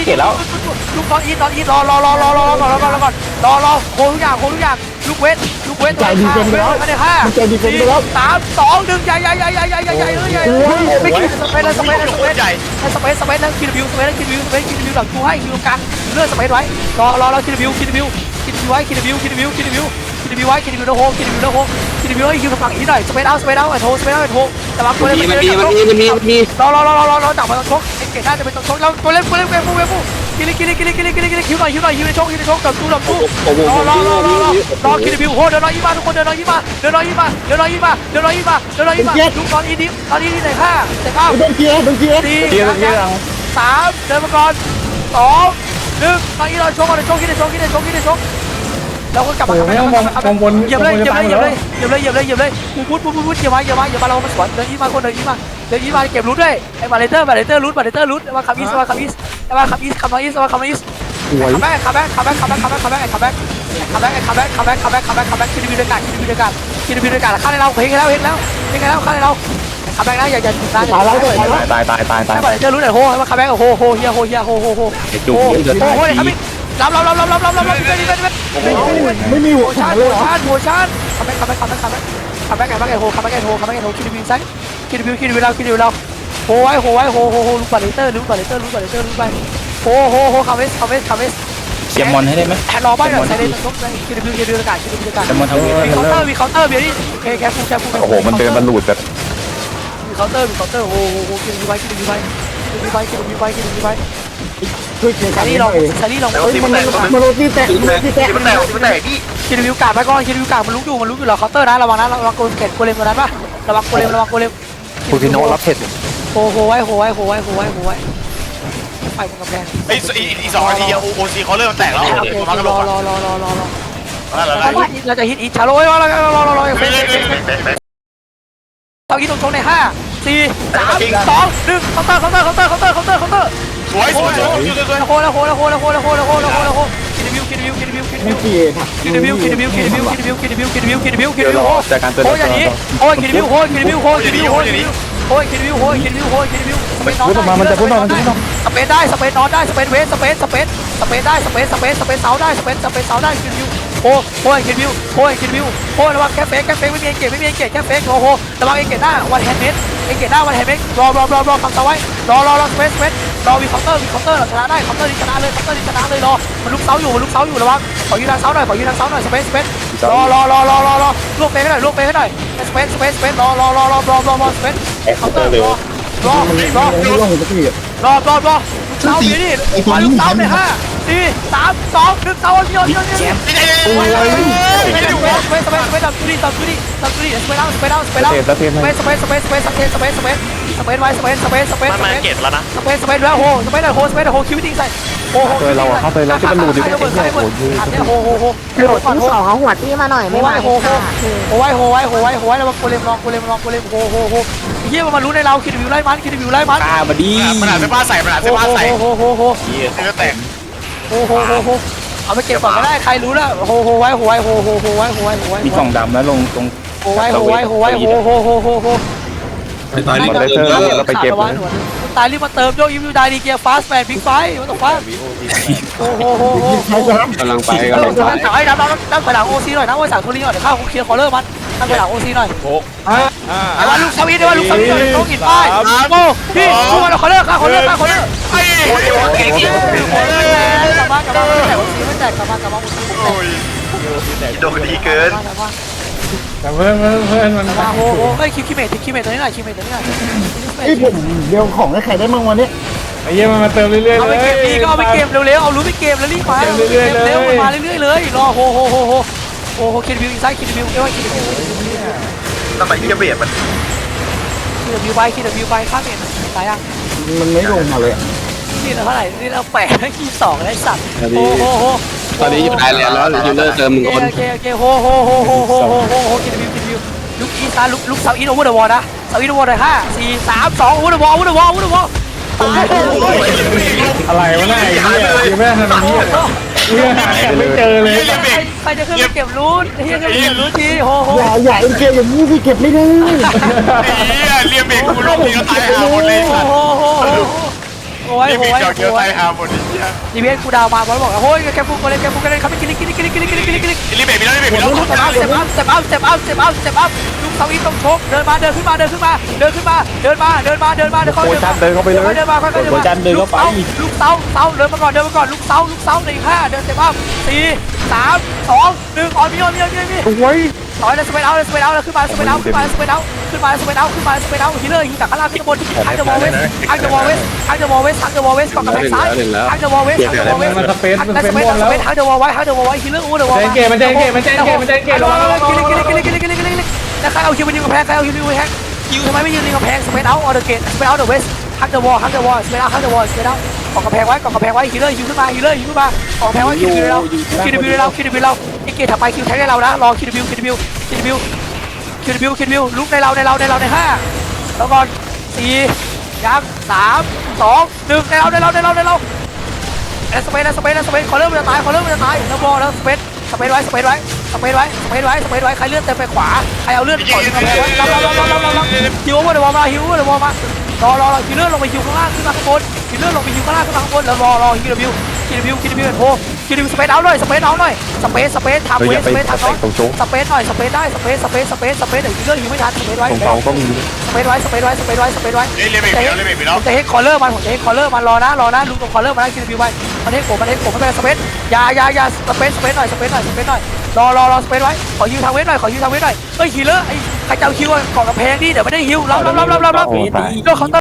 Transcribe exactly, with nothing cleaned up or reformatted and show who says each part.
Speaker 1: เก็บแล้วลูกตอนอีตอนอีรอรอรอรอรอรอรอรอรอก่อนรอรอโคทุกอย่างโคทุกอย่างลูกเวทลูกเวทตัวนี้ห้าไม่ได้ห้าสี่สามสองหนึ่งใหญ่ใหญ่ใหญ่ใหญ่ใหญ่ใหญ่ใหญ่เลยใหญ่ไม่กินสเปซเลยสเปซเลยสเปซใหญ่สเปซสเปซแล้วคิดวิวสเปซแล้วคิดวิวสเปซคิดวิวหลังกูให้คิดวิวกลางเลื่อนสเปซไว้รอรอรอคิดวิวคิดวิวคิดวิวไว้คิดวิวคิดวิวคิดวิวคิดวิวไว้คิดวิวแล้วโฮคิดวิวแล้วโฮคิดวิวให้คิวฝั่งอีหน่อยสเปซเอาสเปซเอาไอ้โฮสเปซเอาไอ้โฮแต่ว่าตัวเล่นมันมีมันมีมันมีมันมีรอรอรอรอรอรอจับมาตรงชกไอ้เกศน่าจะเป็นตรงชกแล้วตัวเล่นตัวเล่นเวฟูเวฟูกินเลยกินเลยกินเลยกินเลยกินเลยกินเลยคิวหน่อยคิวหน่อยคิวในชกคิวในชกจับตู้จับตู้รอรอรอรอรอรอคิดวิวโฮเดินรอยี่มาทุกคนเดินรอยี่มาเดินรอยี่มาเดินรอยี่มาเดินรอยี่มาเดินรอยี่มาทุกตอนอีดิตอนอีดิไหนห้าไหนเก้า
Speaker 2: โดนเกียร์โดนเกียร์
Speaker 1: สี่สามเดินมาก่อนสองหนึ่งตอนอีเราชกก่อนในชกคิดในชกคิดในชกคิดในชกแล้วก็กลับมาเหยียบเลยเหยียบเลยเหยียบเลยเหยียบเลยเหยียบเลยเหยียบเลยเหยียบเลยพูดพูดพูดพูดเหยียบมาเหยียบมาเหยียบมาเรามาสวนเดินยี่มาคนเดินยี่มาเดินยี่มาเก็บรูทด้วยไอ้บาเลเตอร์บาเลเตอร์รูทบาเลเตอร์รูทมาคัมอีสมาคัมอีสมาคัมอีสคัมอีสมาคัมอีสคัมแบ็คคัมแบ็คคัมแบ็คคัมแบ็คคัมแบ็คคัมแบ็คคัมแบ็คคัมแบ็คคัมแบ็คคัมแบ็คคัมแบ็คคัมแบ็คคัมแบ็คคิดดูด้วยกันคิดดูด้วยกันคิดดูด้วยกันฆ่าในเราเห็นแล้วเห็นแล้วเห็นแล้วฆ่าในเราคัมแบ็คนะอย่าอย่าตายตายตายตายตายตายบาเลเตอร์รูทหน่อยโหมาคัมแบ็คโหโหเฮียโหเฮียโหโหโหโหโหโหเลยครับพี่รับรับรับรับรับรับรับรับไม่มีหัวชาร์จหัวชาร์จหัวชาร์จคัมแบ็คคัมแบ็คคัมแบ็คคัมแบ็คคัมแบ็คคัมแบ็คโหคัมแบ็คโหคัมแบ็คโหคิดดูวิวไซด์คิดดูวิวคิดดูวิวเราคิดดูวิวเราโหไว้โหไว้โหโหโหลูกบาเลเตอร์ลูกบาเลเตอร์ลูกบาเลเตอร์ลูกไปโหโหโหคัมเวสคัมเวสคัมเวส
Speaker 3: เสียมอนให้ได้ไหม
Speaker 1: รอบ้านหน่อยใส่เลยตรงนี้คิดดูวิวคิดดูอากาศคิดดูอากาศมีเคาน์เตอร์มีเคาน์เตอร์เบียร์นี่แค่แค่ฟูแค่ฟูโอ้โหมันเดินมันหลุดแต่มีเคาน์เตอร์มีเคาน์เตอร์โหโหคิดดูวิวไปคิดดูวิวไปคิดดูวิวไปคิดดูวิวไปคิดดูวิวไป
Speaker 2: ช่วยเกียร์
Speaker 1: ซารี่ลองซารี่ลอง
Speaker 2: มันมันโรตีแตกโรตีแตกมันแตกมันแตกพี่
Speaker 1: คิดวิวกาดไปก่อนคิดวิวกาดมันลุกอยู่มันลุกอยู่เหรอเคาน์เตอร์นะระวังนะระวังโกเลมเกตโกเลมตัวนั้นป่ะระวังโกเลมระวังโกเลม
Speaker 3: คูติโนรับเผ็ด
Speaker 1: โหโหไว้โหไว้โหไว้โหไว้โหไว้ไปบนกำแพง
Speaker 4: ไอ้อีสองนาทีโอโอซีเขาเริ่มแตกแล้วมากระโดด
Speaker 1: รอรอรอรอรอ
Speaker 4: เรา
Speaker 1: จะฮิตอีชาโร่รอรอรอรอรอตอนนี้ตรงชงในห้าสี่สามสองหนึ่งเคาน์เตอร์เคาน์เตอร์เคาน์เตอร์เคาน์เตอร์เคาน์เตอร์เคาน์เตอร์
Speaker 4: สวยสวยสวยสวย
Speaker 1: โคแล้วโคแล้วโคแล้วโคแล้วโคแล้วโคแล้วโคแล้วโคคิดวิวคิดวิวคิดวิวคิดวิวคิดวิวคิดวิวคิดวิวคิดวิวคิดวิวคิดวิวคิดวิวคิดวิวคิดวิวโอ้ยอย่างนี้โอ้ยคิดวิวโอ้ยคิดวิวโอ้ยคิดวิวโอ้ยคิดวิวโอ้ยคิดวิวโอ้ยคิดวิวโอ้ยคิดวิวสเปซนอนได้มันจะพูดนอนมันจะพูดนอนสเปซได้สเปซนอนได้สเปซเวสสเปซสเปซสเปซได้สเปซสเปซสเปซเสาได้สเปซสเปซเสาได้คิดวิวโอ้โอ้ยคิดวิวโอ้ยคิดวิวโอ้ยระวังแค่เฟกแค่เฟกไม่มีเอเกตไม่มีเอเกตแค่เฟกโอ้โหระวังเอเกตหน้าวันแฮนด์เมดเอเกตหน้าวันแฮนด์เมดรอรอรอรอคำสั่งไว้รอรอรอสเปซสเปซรอวีเคาน์เตอร์วีเคาน์เตอร์เราชนะได้เคาน์เตอร์นี้ชนะเลยเคาน์เตอร์นี้ชนะเลยรอมันลุกเสาอยู่มันลุกเสาอยู่ระวังขอยืนทางเสาหน่อยขอยืนทางเสาหน่อยสเปซสเปซรอรอรอรอรอรอลูกเฟกให้หน่อยลูกเฟกให้หน่อยสเปซสเปซสเปซรอรอรอรอรอรอรอสเปซเคาน์เตอร์รอรอรอรอรอรอรอเสาอยู่นี่มาลุกเสาในห้าสี่สามสองหนึ่งเสาเดียวเดียวเดียวสเปซสเปซสเปซตับตุลีตับตุลีตับตุลีสเปซเอาสเปซเอาสเปซเอาสเปซสเปซสเปซสเปซสเปซสเปซสเปซสเปซไว้สเปซสเปซสเปซ
Speaker 4: มันมาเก็บแล้วนะ
Speaker 1: สเปซสเปซแล้วโหสเปซโหสเปซโหคิวติ้งใส่โอ้โหเราเข้าไปแล้วที่มันหลุดดิโอ้โหโหโหโหโห
Speaker 5: หลุดที่สองเขาหัวตี้มาหน่อยไม่ไหว
Speaker 1: โหโหโหไว้โหไว้โหไว้โหไว้แล้วมาโกเลมลองโกเลมลองโกเลมโหโหโหเฮียมันรู้ในเราคิดวิวไล่มันคิดวิวไล่มัน
Speaker 3: ตาบดี
Speaker 4: มันอาจจะผ้าใส่มันอาจจะผ้าใส่
Speaker 1: โหโหโห
Speaker 4: เนื้อแตก
Speaker 1: โหโหโหโหเอาไปเก็บก่อนก็ได้ใครรู้แล้วโหโหไว้โหไว้โหโหโหไว้โหไว้โหไว้
Speaker 3: มีกล่องดำแล้วลงตรง
Speaker 1: โหไว้โหไว้โหไว้โหโหโหโหโห
Speaker 6: ไปตายรีบเติมเราไปเก็บ
Speaker 1: ตายรีบมาเติมโยกยิมยูได้ดีเกียร์ฟาสแมนบิ๊กไฟมันต้องฟาโอ้โหโหโห
Speaker 6: กำลังไปกำลังไป
Speaker 1: ไอ้น้ำน้ำน้ำไปหลังโอซีหน่อยน้ำไว้สั่งโทนี่หน่อยเดี๋ยวข้าวเคลียร์คอลเลอร์มันน้ำไปหลังโอซีหน่อยไอ้ว่าลูกสวีได้ว่าลูกสวีต้องกินไปโอ้พี่ช่วยเราคอลเลอร์ข้าคอลเลอร์ข้าคอลเลอร์
Speaker 4: ไอ้โอ้ยเก่งจริง
Speaker 1: กลับมากลับมาไม่แตกโอซีไม่แตกกลับมากลับมาโอซีโอ้ย
Speaker 4: โดนดีเกิน
Speaker 6: แต่เพื่อนเพื่อนเพื่อนมัน
Speaker 1: มาโอ้โหเฮ้ยคิวคิวเมทคิวเมทตัวนี้หน่อยคิวเมทตัวนี้หน่อย
Speaker 2: ไอ้ผมเดี๋ยวของให้ใครได้บ้างวันนี้
Speaker 6: ไอ้เยี่ยมันมาเติมเรื่อยๆ
Speaker 1: เอา
Speaker 6: เล
Speaker 1: ไป
Speaker 6: ย
Speaker 1: เก็บดีก็เอาไปเก็บเร็วๆเอารู้ไปเก็บแล้วรีบมาเก็บเร็วมาเรื่อยๆเลยรอโหโหโหโหโอ้โหคิดวิวอินไซด์คิดวิวเอ้ยคิดวิว
Speaker 4: ทำไมที่จะเบียดมัน
Speaker 1: คิดวิวไปคิดวิวไปข้ามเมทตายยัง
Speaker 2: มันไม่ลงมาเลย
Speaker 1: นี่เราเท่าไหร่นี่เราแปดขีดสองได้สัตว์โอ้โหโห
Speaker 6: ตอนนี้อยู่ได้แล้วแล้วยูเลอร์เติมหนึ่งคน
Speaker 1: โอเคโอเคโหโหโหโหโหโหโหโหคิดวิวคิดวิวลุกอีสานลุกลุกเซาอีโอเวอร์เดอะวอลนะเซาอีโอเวอร์เดอะห้าสี่สามสองโอเวอร์เดอะวอลโอเวอร์เดอะวอลโอเวอร์เดอะวอล
Speaker 6: อะไรวะเนี่ยไอ้เหี้ยยังไม่ทันนี้เรื่องหาไม่เจอเลย
Speaker 1: ใครจะขึ้นไปเก็บรูทเฮียจะเก็บรูททีโหโห
Speaker 2: อย่าอย่าเอ็นเกมอย่างนี้สิเก็บไม่ได้
Speaker 4: ไอ้เรียมเบรกกูลงทีก็ตายหาหมดเลย
Speaker 1: โอ้โหโอ้โหโอ้โหโอ้ย
Speaker 4: นี่มี
Speaker 1: โอ้ย
Speaker 4: เจ้าเกียว
Speaker 1: โอ้
Speaker 4: ไท
Speaker 1: ย
Speaker 4: ยฮาร์โมนีเนี่ย
Speaker 1: ดีเวนกูดาวมาบอลบอกโอ้ยแกฟุกมาเลยแกฟุกกันเลยเขาไปกินกินกินกินกินกินกินกินกิน
Speaker 4: รีเบรกมีแล้วรีเบรกมีแล้ว
Speaker 1: สเต็ปอัพสเต็ปอัพสเต็ปอัพสเต็ปอัพสเต็ปอัพสเต็ปอัพลูกเสาอีกต้องชกเดินมาเดินขึ้นมาเดินขึ้นมาเดินขึ้นมาเดินมาเดินมาเดินมาเดินเข้าเดินมาเดินเข้าไปเลยเดินมาค่อยๆเดินมาลูกเสาลูกเสาเสาเดินมาก่อนเดินมาก่อนลูกเสาลูกเสาหนึ่งห้าเดินสเต็ปอัพสี่สามสองหนึ่งออนมีออนมีออนมีออนมี
Speaker 6: โอ้ย
Speaker 1: ต่อยเลยสเปนเอาเลยสเปนเอาเลยขึ้นมาสเปนเอาขึ้นมาสเปนเอาขึ้นมาสเปนเอาขึ้นมาสเปนเอาฮิลเลอร์ยิงจากข้างล่างขึ้นบนทักเดอะวอลเวสทักเดอะวอลเวสทักเดอะวอลเวสทักเดอะวอลเวสก่อนกำแพงซ้ายทักเดอะวอลเวสทักเดอะวอลเวส
Speaker 6: มันสเปซมัน
Speaker 1: ทัก
Speaker 6: ส
Speaker 1: ส
Speaker 6: เป
Speaker 1: เป
Speaker 6: ซ
Speaker 1: น
Speaker 6: บอล
Speaker 1: ส
Speaker 6: แล้ว
Speaker 1: เปนทักเดอะวอลไว้ทักเดอะวอลไว้ฮิลเลอร์อู้เดอะวอล
Speaker 6: มันเจนเกมมันเจนเกมมันเจนเกมมันเจนเกมระวังระวัง
Speaker 1: กินกินกินกินกินกินกินกินแล้วใครเอาคิวไปยิงกำแพงใครเอาคิวไปยิงกำแพงคิวทำไมไม่ยืนยิงกำแพงสเปนเอาออเดอร์เกตสเปนเอาเดอะเวสทักเดอะวอลทักเดอะวอลสเปนเอาทักเดอะวอลสเปนเอากองกำแพงไว้กองกำแพงไว้ฮิลเลอร์ยิงขึ้นมาฮิลเลอร์ยิงขึ้นมากองกำแพงไว้คิวเราคิวเราคิวเราไอ้เกตถัดไปคิวแทงให้เรานะรอคิวคิวคิวคิวคิวคิดวิวคิดวิวลุกในเราในเราในเราในห้าแล้วก่อนสี่ยังสามสองหนึ่งในเราในเราในเราในเราแอสเปนแอสเปนแอสเปนขอเริ่มมันจะตายขอเริ่มมันจะตายแล้วบอลแล้วสเปนสเปนไว้สเปนไว้สเปนไว้สเปนไว้สเปนไว้ใครเลื่อนเต็มไปขวาใครเอาเลื่อนก่อนกำแพงไว้รับรับรับรับรับรับฮิวว่าเดี๋ยวบอลมาฮิวว่าเดี๋ยวบอลมารอรอรอฮิวเลื่อนลงไปฮิวข้างล่างขึ้นมาข้างบนฮิวเลื่อนลงไปฮิวข้างล่างขึ้นมาข้างบนแล้วรอรอฮิววิวฮิววิวฮิววิวโผล่ฮิววิวสเปนเอาหน่อยสเปนเอาหน่อยสเปนสเปนทำเวสสเปนทำน้องสเปนหน่อยสเปนได้สเปนสเปนสเปนสเปนเดี๋ยวฮิวเลื่อนฮิวไม่ทันสเปนไว้
Speaker 3: ตรงเขาก็มี
Speaker 1: สเปนไว้สเปนไว้สเปนไว้สเปนไว้
Speaker 4: เฮ้ยรีเบรกมีแล้วรีเบรกมีแล้ว
Speaker 1: ผมจะเฮดคอลเลอร์มันผมจะเฮดคอลเลอร์มันรอนะรอนะลุงตรงคอลเลอร์มันนะคิวบิวไว้มันเฮดผมมันเฮดผมไม่เป็นสเปนอย่าอย่าอย่าสเปนสเปนหน่อยสเปนหน่อยสเปนหน่อยรอรอรอสเปนไว้ขอฮิวทางเวทหน่อยขอฮิวทางเวทหน่อยเฮ้ยฮิลเลอร์ไอ้ใครจะเอาฮิวก่อนกำแพงดิเดี๋ยวไม่ได้ฮิวรับรับรับรับรับรับเขา